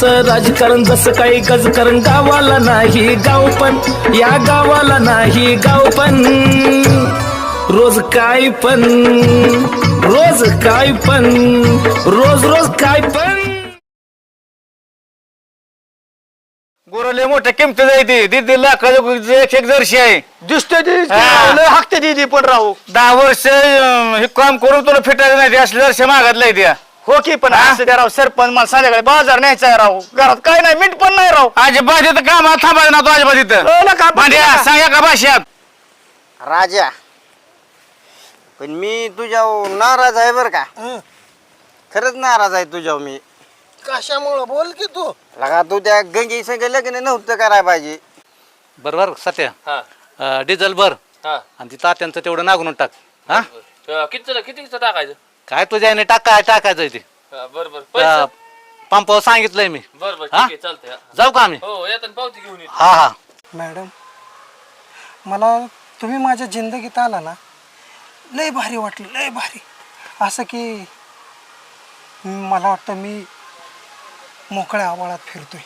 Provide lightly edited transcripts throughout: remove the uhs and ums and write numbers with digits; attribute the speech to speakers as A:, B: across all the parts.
A: गावाचं राजकारण जसं काही गजकारण गावाला नाही गाव पण या गावाला नाही गाव पण रोज काय पण रोज काय पण रोज रोज काय पण
B: गोरले मोठ्या किमती जायती दीदी लाखाचं एक जर्शी आहे
C: दिसते
B: हा.
C: हाकते दीदी पण राहू
B: 10 वर्ष हे काम करून तुला फिटायचं नाही असले जर्शी मागतलाय त्या
C: हो की पण असं द्या राव सरपंच मला संध्याकाळी बाजार न्यायचा आहे राव घरात काय नाही मीठ पण नाही राव
B: अजिबात इथं कामाला थांबायचं ना तू अजिबात इथं भांड्या सांगा का भाषात
D: राजा पण मी तुझ्यावर नाराज आहे बर का खरंच नाराज आहे तुझ्यावर मी
C: कशामुळं बोल की तू
D: लगा तू त्या गंगी संग लग्न नव्हतं करायला पाहिजे
E: बरोबर सत्या डिझेल भर आणि ती तात्यांचं तेवढं नागून टाक हा
F: किती टाकायचं
E: काय तुझ्या याने टाकायचं ते
F: बरोबर
E: पंपावर सांगितलंय मी
F: बरोबर
E: हा?
F: चालतंय
E: जाऊ का आम्ही
F: हो येताना पावती घेऊन ये
E: हा हा
G: मॅडम मला तुम्ही माझ्या जिंदगीत आला ना लय भारी वाटलं लय भारी असं की मला वाटतं मी मोकळ्या आवाळात फिरतोय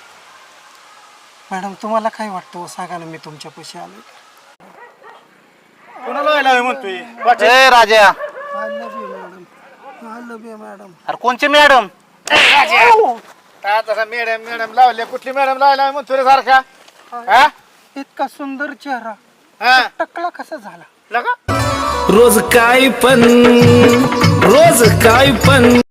G: मॅडम तुम्हाला काय वाटतं सांगा ना मी तुमच्यापाशी आलो
C: कोणाला म्हणतोय
E: ए राजा
G: I love you madam I love you madam
E: अरे कोणची मॅडम
C: मॅडम मॅडम लावले कुठली मॅडम लावला म्हणतो रे सारखा हा
G: इतका सुंदर चेहरा
C: हा
G: टकला कसा झाला
C: लगा
A: रोज काय पण